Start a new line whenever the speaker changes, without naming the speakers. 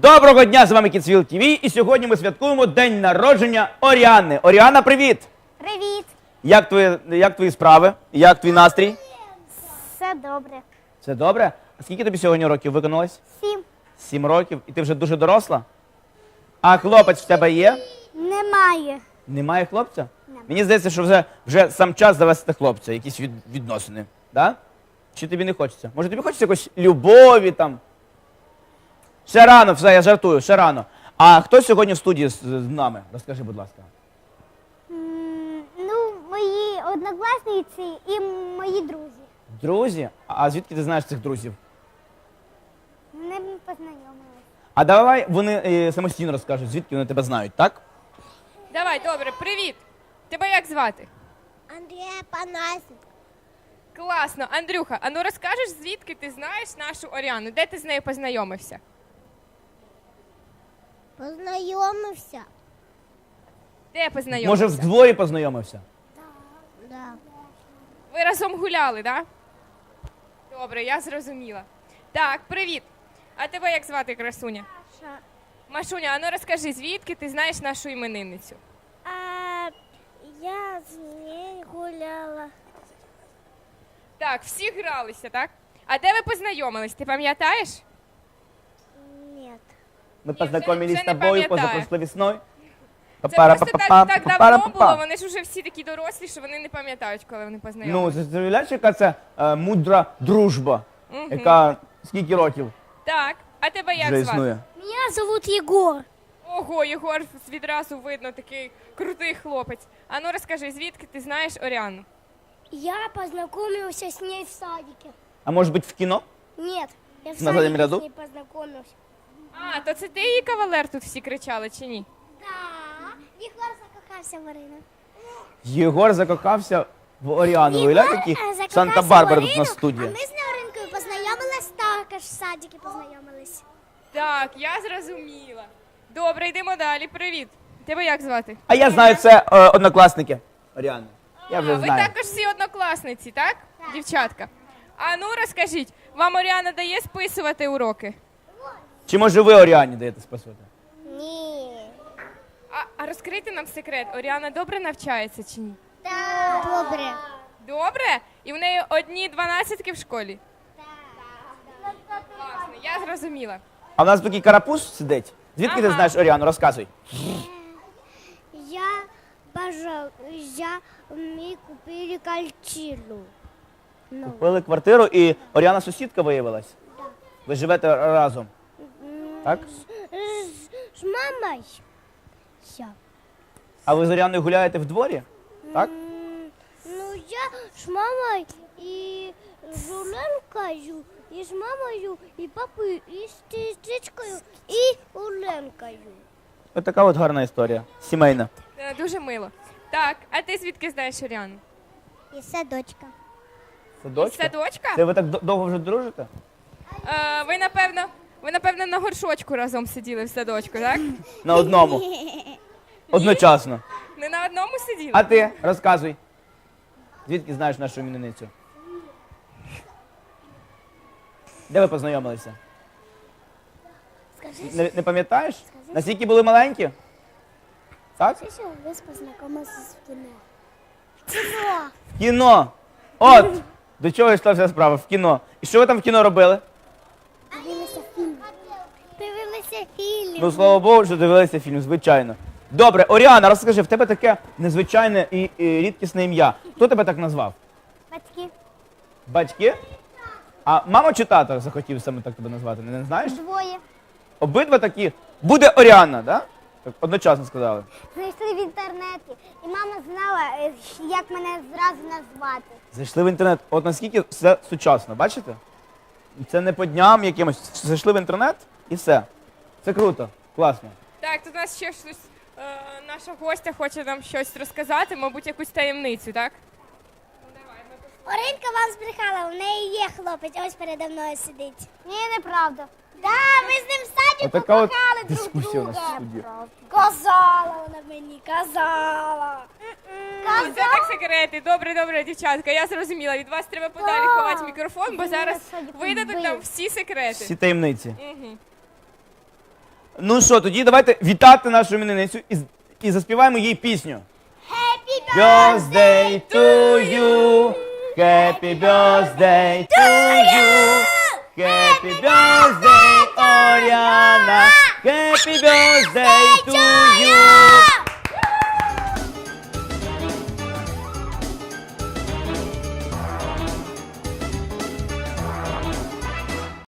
Доброго дня, з вами Kidsville TV, і сьогодні ми святкуємо день народження Оріани. Оріана, привіт!
Привіт!
Як твої справи? Як твій настрій?
Все добре.
Все добре? А скільки тобі сьогодні років виконалось?
7.
7 років. І ти вже дуже доросла? А хлопець в тебе є?
Немає.
Немає хлопця?
Немає.
Мені здається, що вже сам час завести хлопця, якісь відносини. Да? Чи тобі не хочеться? Може тобі хочеться якось любові там? Ще рано, все, я жартую, ще рано. А хто сьогодні в студії з нами? Розкажи, будь ласка.
Ну, мої однокласниці і мої друзі.
Друзі? А звідки ти знаєш цих друзів?
Вони познайомилися.
А давай вони самостійно розкажуть, звідки вони тебе знають, так?
Давай, добре, привіт. Тебе як звати?
Андрія Панасенко.
Класно. Андрюха, а ну розкажеш, звідки ти знаєш нашу Оріану? Де ти з нею познайомився?
Познайомився?
Де познайомився?
Може, в дворі познайомився?
Да.
Ви разом гуляли, так? Да? Добре, я зрозуміла. Так, привіт. А тебе як звати, красуня? Машуня, а ну розкажи, звідки ти знаєш нашу іменинницю?
Я з нею гуляла.
Так, всі гралися, так? А де ви познайомились, ти пам'ятаєш?
Ні.
Мы
Ні,
познакомились
вже
с
не
тобою
пам'ятаю.
позапрошлой весной.
Це просто так давно було, вони ж уже всі такі дорослі, що вони не пам'ятають, коли вони
Ну,
познайомилися.
ти уявляєш, яка це мудра дружба, яка скільки років
Так, а тебе як
вже
звати?
існує?
Мене зовут Єгор.
Ого, Єгор відразу видно, такий крутий хлопець. А ну розкажи, звідки ти знаєш Оріану?
Я познакомился с ней в садике.
А може бути в кіно?
Нет, я в
На заднем
садике
ряду?
с ней познакомился.
А, то це ти її кавалер тут всі кричали, чи ні?
Да, Єгор закохався в Марину.
Єгор закохався в Оріану. Уявляєте, які
закохався
Санта-Барбара
в
тут на
Марину,
студії.
А ми з Оринкою познайомились також в садике познайомились.
Так, я зрозуміла. Добре, йдемо далі. Привіт. Тебе як звати?
А я знаю, це однокласники Оріани. Я вже
А, ви
знаю.
також всі однокласниці, так? Дівчатка. А ну розкажіть, вам Оріана дає списувати уроки?
Чи може ви Оріані даєте спасувати?
Ні.
А розкрийте нам секрет, Оріана добре навчається чи ні?
Так. Добре.
Добре? І в неї одні 12 в школі? Класно, я зрозуміла.
А в нас такий карапуз сидить. Звідки ти
Ага.
знаєш Оріану? Розказуй.
Ми купили квартиру.
Купили квартиру і Оріана сусідка виявилась? Ви живете разом? Так?
З мамою. Все.
А ви з Оріаною гуляєте в дворі? Так?
Ну, я з мамою і з Оленкою, і з мамою, і папою, і з сестричкою, і Оленкою.
Ось така от гарна історія. Сімейна.
Дуже мило. Так, а ти звідки знаєш Оріану?
І садочка.
Садочка?
Садочка?
Це ви так довго вже дружите?
Ви, напевно, на горшочку разом сиділи в садочку, так?
На одному. Одночасно.
Не на одному сиділи?
А ти розказуй. Звідки знаєш нашу іменинницю? Де ви познайомилися?
Скажи,
Не пам'ятаєш? Наскільки були маленькі? Так?
що ви познайомилися в кіно? Кіно.
В кіно. От! До чого йшла вся справа? В кіно. І що ви там в кіно робили?
Дивилися фільм. Дивилися фільм.
Ну, слава Богу, що дивилися фільм, звичайно. Добре, Оріана, розкажи, в тебе таке незвичайне і рідкісне ім'я. Хто тебе так назвав?
Батьки.
Батьки? А мама чи тато захотів саме так тебе назвати? Не знаєш?
Двоє.
Обидва такі. Буде Оріана, так? Так одночасно сказали.
Знайшли в інтернеті. І мама знала, як мене зразу назвати.
Зайшли в інтернет. От наскільки все сучасно, бачите? Це не по дням якимось. Зайшли в інтернет і все. Це круто, класно.
Так, тут у нас ще щось, наша гостя хоче нам щось розказати, мабуть, якусь таємницю, так?
Оринка вам збрехала, у неї є хлопець, ось передо мною сидить. Ні, неправда. Да, ми з ним в садіку
Отака от
кохали друг
дискусія у нас в
друга.
студії.
Казала вона мені, казала.
Це так секрети. Добре, добре, дівчатка, я зрозуміла. Від вас треба подалі ховати мікрофон, бо зараз видадуть нам всі секрети.
Всі таємниці.
Угу.
Ну що, тоді давайте вітати нашу іменинницю і заспіваємо їй пісню.
Happy
Birthday to you, happy birthday to you, happy birthday, Oriana, happy birthday to you.